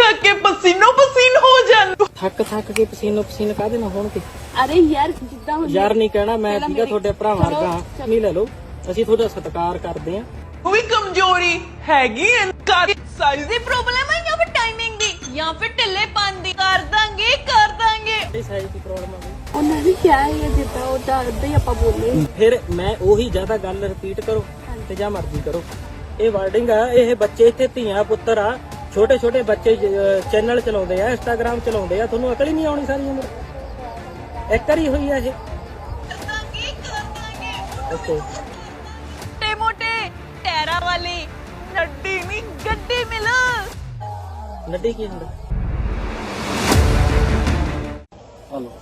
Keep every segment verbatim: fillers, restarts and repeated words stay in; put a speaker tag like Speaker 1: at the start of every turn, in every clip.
Speaker 1: थक के पसीनो पसीन हो जान
Speaker 2: ਥੱਕ ਥੱਕ ਕੇ ਪਸੀਨੋ ਪਸੀਨ ਕਾਹਦੇ ਨਾਲ ਹੋਣਗੇ।
Speaker 3: ਅਰੇ ਯਾਰ ਜਿੱਦਾਂ ਹੁਣ
Speaker 2: ਯਾਰ ਨਹੀਂ ਕਹਿਣਾ ਮੈਂ
Speaker 3: ਪਹਿਲਾਂ
Speaker 2: ਠੀਕਾ
Speaker 3: ਮੇਰੀ-
Speaker 2: ਤੁਹਾਡੇ ਭਰਾ
Speaker 3: ਚਲੋ,
Speaker 2: ਵਰਗਾ
Speaker 3: ਚਲੋ।
Speaker 2: ਨਹੀਂ ਲੈ ਲਓ ਅਸੀਂ ਤੁਹਾਡਾ ਸਤਿਕਾਰ ਕਰਦੇ ਆਂ।
Speaker 1: कोई कमजोरी हैगी साइज दी प्रॉब्लम है या फिर टाइमिंग दी या फिर ढिल्लेपन दी कर दांगे कर दांगे
Speaker 2: ਇਹ ਸਾਈਜ਼ ਦੀ ਪ੍ਰੋਬਲਮ ਆ ਗਈ।
Speaker 3: ਉਹਨਾਂ ਨੇ ਕਿਹਾ ਹੈ ਜਿੱਦਾਂ ਉਹਦਾ ਉਦਾਂ ਹੀ ਆਪਾਂ ਬੋਲੇ।
Speaker 2: ਫਿਰ ਮੈਂ ਉਹੀ ਜ਼ਿਆਦਾ ਗੱਲ ਰਿਪੀਟ ਕਰੋ ਤੇ ਜਾਂ ਮਰਜ਼ੀ ਕਰੋ। ਇਹ ਵਰਡਿੰਗ ਆ, ਇਹ ਬੱਚੇ ਇੱਥੇ ਧੀਆਂ ਪੁੱਤਰ ਆ, ਛੋਟੇ ਛੋਟੇ ਬੱਚੇ ਚੈਨਲ ਚਲਾਉਂਦੇ ਆ, ਇੰਸਟਾਗ੍ਰਾਮ ਚਲਾਉਂਦੇ ਆ, ਤੁਹਾਨੂੰ ਅਕਲ ਹੀ ਨਹੀਂ ਆਉਣੀ ਸਾਰੀ ਉਮਰ। ਇੱਕ ਵਾਰੀ ਹੋਈ ਆ ਇਹ।
Speaker 1: कर दांगे कर दांगे
Speaker 2: ਓਕੇ
Speaker 1: मोटे मोटे टैरा वाली नड्डी नहीं गड्डी मिल
Speaker 2: ਨੱਡੀ ਕੀ ਹੁੰਦਾ? ਹਲੋ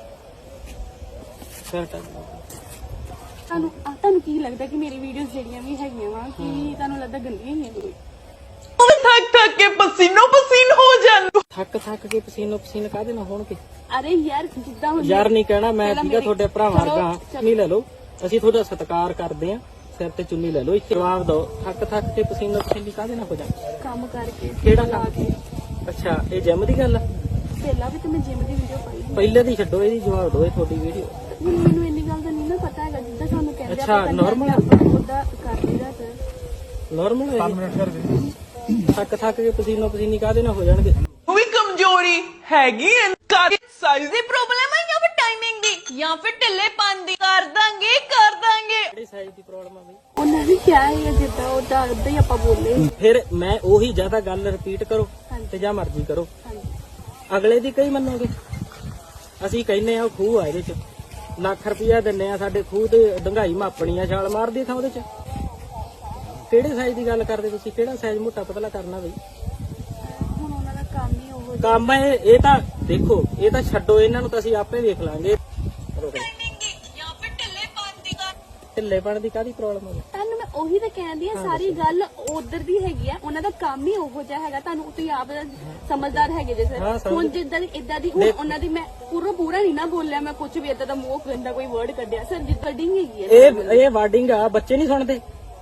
Speaker 2: ਫਿਰ ਟਾਈਮ
Speaker 3: ਤੁਹਾਨੂੰ ਆ ਤੁਹਾਨੂੰ ਕੀ ਲੱਗਦਾ ਕਿ ਮੇਰੀ ਵੀਡੀਓਜ਼ ਜਿਹੜੀਆਂ ਵੀ ਹੈਗੀਆਂ ਵਾ ਕਿ ਤੁਹਾਨੂੰ ਲੱਗਦਾ ਗੰਦੀਆਂ ਹੀ ਆ?
Speaker 1: थक थक के पसीनो पसीन हो जान
Speaker 2: ਥੱਕ ਥੱਕ ਕੇ ਪਸੀਨੋ ਪਸੀਨ ਕਾਹਦੇ ਨਾਲ ਹੋਣਗੇ।
Speaker 3: ਅਰੇ ਯਾਰ ਜਿੱਦਾਂ ਹੁਣ
Speaker 2: ਯਾਰ ਨਹੀਂ ਕਹਿਣਾ ਮੈਂ
Speaker 3: ਪਹਿਲਾਂ
Speaker 2: ਠੀਕਾ
Speaker 3: ਮੇਰੀ-
Speaker 2: ਤੁਹਾਡੇ ਭਰਾ
Speaker 3: ਚਲੋ,
Speaker 2: ਵਰਗਾ
Speaker 3: ਚਲੋ।
Speaker 2: ਨਹੀਂ ਲੈ ਲਓ ਅਸੀਂ ਤੁਹਾਡਾ ਸਤਿਕਾਰ ਕਰਦੇ ਆਂ। ਸਿਰ ਤੇ ਚੁੰਨੀ ਲੈ ਲਓ, ਇੱਥੇ ਜਵਾਬ ਦਿਓ। ਥੱਕ ਥੱਕ ਕੇ ਪਸੀਨੋ ਪਸੀਨੀ ਕਾਹਦੇ ਨਾਲ ਹੋ ਜਾ।
Speaker 3: ਕੰਮ ਕਰਕੇ
Speaker 2: ਕਿਹੜਾ
Speaker 3: ਲਾ
Speaker 2: ਕੰਮ?
Speaker 3: ਕੇ
Speaker 2: ਅੱਛਾ ਇਹ ਜਿਮ ਦੀ ਗੱਲ ਆ।
Speaker 3: ਪਹਿਲਾਂ ਵੀ ਤੇ ਮੈਂ ਜਿਮ ਦੀ ਵੀਡੀਓ ਪਾਈ ਸੀ।
Speaker 2: ਪਹਿਲੇ ਦੀ ਛੱਡੋ, ਇਹਦੀ ਜਵਾਬ ਦਿਓ। ਇਹ ਤੁਹਾਡੀ ਵੀਡੀਓ
Speaker 3: ਹੁਣ ਮੈਨੂੰ ਇੰਨੀ ਗੱਲ ਦਾ ਨਹੀਂ ਨਾ ਪਤਾ ਹੈਗਾ ਜਿੱਦਾਂ ਸਾਨੂੰ ਕਹਿੰਦੇ
Speaker 2: ਅੱਛਾ, normal ਆ।
Speaker 3: ਉਹਦਾ ਕਰ ਲਈਦਾ ਸਰ।
Speaker 2: ਨਾਰਮਲ ਹੈ। ਥੱਕ ਥੱਕ ਕੇ ਪਸੀਨੋ ਪਸੀਨੀ ਕਾਹਦੇ ਨਾਲ ਹੋ ਜਾਣਗੇ।
Speaker 1: कोई कमजोरी हैगी साइज दी प्रॉब्लम है या फिर टाइमिंग दी या फिर ढिल्लेपन दी कर दांगे कर दांगे
Speaker 2: ਕਿਹੜੀ ਸਾਈਜ਼ ਦੀ ਪ੍ਰੋਬਲਮ ਆ ਬਈ?
Speaker 3: ਉਹਨਾਂ ਨੇ ਕਿਹਾ ਹੈ ਜਿੱਦਾਂ ਉਹਦਾ ਉਦਾਂ ਹੀ ਆਪਾਂ ਬੋਲੇ।
Speaker 2: ਫਿਰ ਮੈਂ ਉਹੀ ਜ਼ਿਆਦਾ ਗੱਲ ਰਿਪੀਟ ਕਰੋ
Speaker 3: ਹਾਂਜੀ।
Speaker 2: ਤੇ ਜਾਂ ਮਰਜ਼ੀ ਕਰੋ।
Speaker 3: ਹਾਂਜੀ
Speaker 2: ਅਗਲੇ ਦੀ ਕਈ ਮੰਨੋਗੇ। ਅਸੀਂ ਕਹਿੰਨੇ ਆ ਉਹ ਖੂਹ ਆ, ਇਹਦੇ ਚ ਲੱਖ ਰੁਪਇਆ ਦਿੰਨੇ ਆ, ਸਾਡੇ ਖੂਹ ਤੇ ਡੰਗਾਈ ਮਾਪਣੀ ਆ, ਛਾਲ ਮਾਰਦੀ ਥਾਂ ਉਹਦੇ ਚ। ਕਿਹੜੇ ਸਾਈਜ਼ ਦੀ ਗੱਲ ਕਰਦੇ ਤੁਸੀਂ? ਕਿਹੜਾ ਸਾਈਜ਼ ਮੋਟਾ ਪਤਲਾ ਕਰਨਾ ਬਈ?
Speaker 3: ਹੁਣ ਉਹਨਾਂ ਦਾ ਕੰਮ ਹੀ ਉਹ
Speaker 2: ਕੰਮ ਹੈ ਇਹ ਤਾਂ ਦੇਖੋ, ਇਹ ਤਾਂ ਛੱਡੋ, ਇਹਨਾਂ ਨੂੰ ਤਾਂ ਅਸੀਂ ਆਪੇ ਵੇਖ ਲਾਂਗੇ।
Speaker 1: टाइमिंग दी या फिर ढिल्लेपन दी कर
Speaker 2: ਢਿੱਲੇਪਣ ਦੀ ਕਾਹਦੀ ਪ੍ਰੋਬਲਮ ਹੈ?
Speaker 3: ਤੁਹਾਨੂੰ ਮੈਂ ਉਹੀ ਤਾਂ ਕਹਿੰਦੀ ਆ, ਸਾਰੀ ਗੱਲ ਉਧਰ ਦੀ ਹੈਗੀ ਆ। ਉਹਨਾਂ ਦਾ ਕੰਮ ਹੀ ਉਹੋ ਜਿਹਾ ਹੈਗਾ। ਤੁਹਾਨੂੰ ਤੁਸੀਂ ਆਪ ਸਮਝਦਾਰ ਹੈਗੇ ਜੇ
Speaker 2: ਹਾਂ,
Speaker 3: ਸਰ।
Speaker 2: ਸਮਝ-
Speaker 3: ਹੁਣ ਜਿੱਦਾਂ ਦੀ ਇਦਾਂ ਦੀ ਹੁਣ ਉਹਨਾਂ ਦੀ ਮੈਂ ਪੂਰਾ ਪੂਰਾ ਨਹੀਂ ਨਾ ਬੋਲਿਆ, ਮੈਂ ਕੁਝ ਵੀ ਇਦਾਂ ਦਾ ਮੂੰਹ ਗੰਦਾ ਕੋਈ ਵਰਡ ਕੱਢਿਆ ਸਰ। ਜਿੱਦਾਂ ਡਿੰਗ ਹੈਗੀ ਹੈ
Speaker 2: ਇਹ ਇਹ ਵਰਡਿੰਗ ਆ, ਬੱਚੇ ਨਹੀਂ ਸੁਣਦੇ।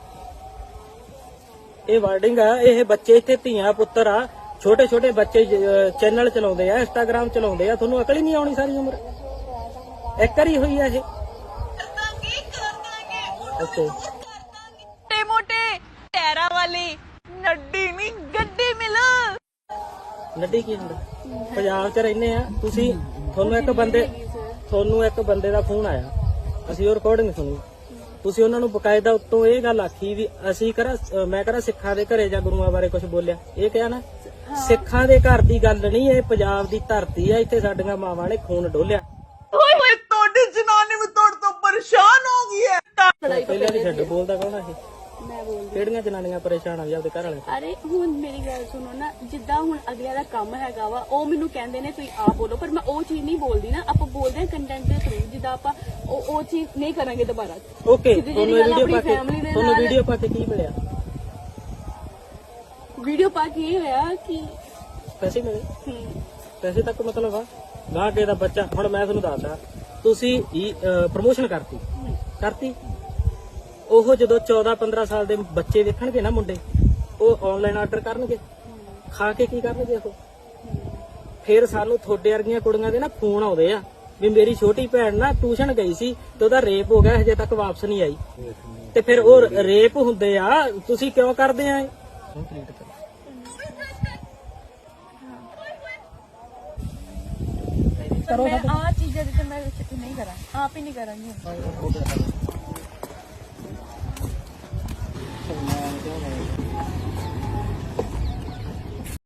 Speaker 2: ਇਹ ਵਰਡਿੰਗ ਆ, ਇਹ ਬੱਚੇ ਇੱਥੇ ਧੀਆਂ ਪੁੱਤਰ ਆ, ਛੋਟੇ ਛੋਟੇ ਬੱਚੇ ਚੈਨਲ ਚਲਾਉਂਦੇ ਆ, ਇੰਸਟਾਗ੍ਰਾਮ ਚਲਾਉਂਦੇ ਆ, ਤੁਹਾਨੂੰ ਅਕਲ ਹੀ ਨਹੀਂ ਆਉਣੀ ਸਾਰੀ ਉਮਰ। ਇੱਕ ਵਾਰੀ ਹੋਈ ਆ ਇਹ।
Speaker 1: कर दांगे कर दांगे
Speaker 2: ਓਕੇ
Speaker 1: मोटे मोटे टैरा वाली नड्डी नहीं गड्डी मिल
Speaker 2: ਨੱਡੀ ਕੀ ਹੁੰਦਾ? ਪੰਜਾਬ 'ਚ ਰਹਿੰਦੇ ਆ ਤੁਸੀਂ, ਤੁਹਾਨੂੰ ਇੱਕ ਬੰਦੇ ਤੁਹਾਨੂੰ ਇੱਕ ਬੰਦੇ ਦਾ ਫੋਨ ਆਇਆ, ਅਸੀਂ ਉਹ ਰਿਕਾਰਡਿੰਗ ਸੁਣੀ। ਤੁਸੀਂ ਉਹਨਾਂ ਨੂੰ ਬਕਾਇਦਾ ਉੱਤੋਂ ਇਹ ਗੱਲ ਆਖੀ ਵੀ ਅਸੀਂ ਕਰਾ ਮੈਂ ਕਰਾ ਸਿੱਖਾਂ ਦੇ ਘਰੇ ਜਾਂ ਗੁਰੂਆਂ ਬਾਰੇ ਕੁਝ ਬੋਲਿਆ। ਇਹ ਕਿਹਾ ਨਾ, ਸਿੱਖਾਂ ਦੇ ਘਰ ਦੀ ਗੱਲ ਨਹੀਂ, ਇਹ ਪੰਜਾਬ ਦੀ ਧਰਤੀ ਆ, ਇੱਥੇ ਸਾਡੀਆਂ ਮਾਵਾਂ ਨੇ ਖੂਨ ਡੋਲਿਆ।
Speaker 1: ओए होए तोड़ी जनानी में तोड़ तो परेशान हो गई है
Speaker 3: ਲੜਾਈ ਤੋਂ
Speaker 2: ਪਹਿਲਾਂ ਨਹੀਂ ਛੱਡ ਬੋਲਦਾ ਕੌਣ ਆ ਇਹ?
Speaker 3: ਮੈਂ ਬੋਲਦੀ।
Speaker 2: ਕਿਹੜੀਆਂ ਜਨਾਨੀਆਂ ਪਰੇਸ਼ਾਨ ਆ ਜੀ ਆਪਦੇ ਘਰ ਵਾਲੇ?
Speaker 3: ਅਰੇ ਹੁਣ ਮੇਰੀ ਗੱਲ ਸੁਣੋ ਨਾ, ਜਿੱਦਾਂ ਹੁਣ ਅਗਲਿਆਂ ਦਾ ਕੰਮ ਹੈਗਾ ਵਾ, ਉਹ ਮੈਨੂੰ ਕਹਿੰਦੇ ਨੇ ਤੁਸੀਂ ਆਪ ਬੋਲੋ, ਪਰ ਮੈਂ ਉਹ ਚੀਜ਼ ਨਹੀਂ ਬੋਲਦੀ ਨਾ। ਆਪਾਂ ਬੋਲਦੇ ਹਾਂ ਕੰਟੈਂਟ ਦੇ ਥਰੂ, ਜਿੱਦਾਂ ਆਪਾਂ ਉਹ ਉਹ ਚੀਜ਼ ਨਹੀਂ ਕਰਾਂਗੇ ਦੁਬਾਰਾ।
Speaker 2: ਓਕੇ
Speaker 3: ਸਿੱਧੀ
Speaker 2: ਤੁਹਾਨੂੰ
Speaker 3: ਜਿਹੜੀ ਗੱਲ
Speaker 2: ਵੀਡੀਓ ਪਾ
Speaker 3: ਆਪਣੀ
Speaker 2: ਕੇ
Speaker 3: family ਦੇ
Speaker 2: ਤੁਹਾਨੂੰ
Speaker 3: ਨਾਲ-
Speaker 2: ਵੀਡੀਓ ਪਾ ਕੇ ਕੀ ਮਿਲਿਆ?
Speaker 3: ਵੀਡੀਓ ਪਾ ਕੇ ਇਹ ਹੋਇਆ ਕਿ
Speaker 2: ਪੈਸੇ ਮਿਲੇ?
Speaker 3: ਹਮ,
Speaker 2: ਪੈਸੇ ਤੱਕ ਮਤਲਬ ਆ ਗਾਹ ਕੇ ਦਾ ਬੱਚਾ। ਹੁਣ ਮੈਂ ਤੁਹਾਨੂੰ ਦੱਸਦਾ, ਤੁਸੀਂ ਪ੍ਰਮੋਸ਼ਨ ਕਰਤੀ ਕਰਤੀ ਉਹ ਜਦੋਂ ਚੌਦਾਂ ਪੰਦਰਾਂ ਸਾਲ ਦੇ ਬੱਚੇ ਵੇਖਣਗੇ ਨਾ ਮੁੰਡੇ, ਉਹ ਆਨਲਾਈਨ ਆਰਡਰ ਕਰਨਗੇ, ਖਾ ਕੇ ਕੀ ਕਰਨਗੇ ਉਹ? ਫਿਰ ਸਾਨੂੰ ਤੁਹਾਡੇ ਵਰਗੀਆਂ ਕੁੜੀਆਂ ਦੇ ਨਾ ਫੋਨ ਆਉਂਦੇ ਆ ਵੀ ਮੇਰੀ ਛੋਟੀ ਭੈਣ ਨਾ ਟਿਊਸ਼ਨ ਗਈ ਸੀ ਤੇ ਉਹਦਾ ਰੇਪ ਹੋ ਗਿਆ, ਹਜੇ ਤੱਕ ਵਾਪਸ ਨਹੀਂ ਆਈ। ਤੇ ਫਿਰ ਉਹ ਰੇਪ ਹੁੰਦੇ ਆ, ਤੁਸੀਂ ਕਿਉਂ ਕਰਦੇ ਆ ਇਹ?
Speaker 3: ਪਰ ਮੈਂ ਆ ਚੀਜ਼ਾਂ ਜਿੱਤੇ ਮੈਂ ਨਹੀਂ ਕਰਾਂ, ਆਪ ਹੀ ਨਹੀਂ ਕਰਾਂਗੀ।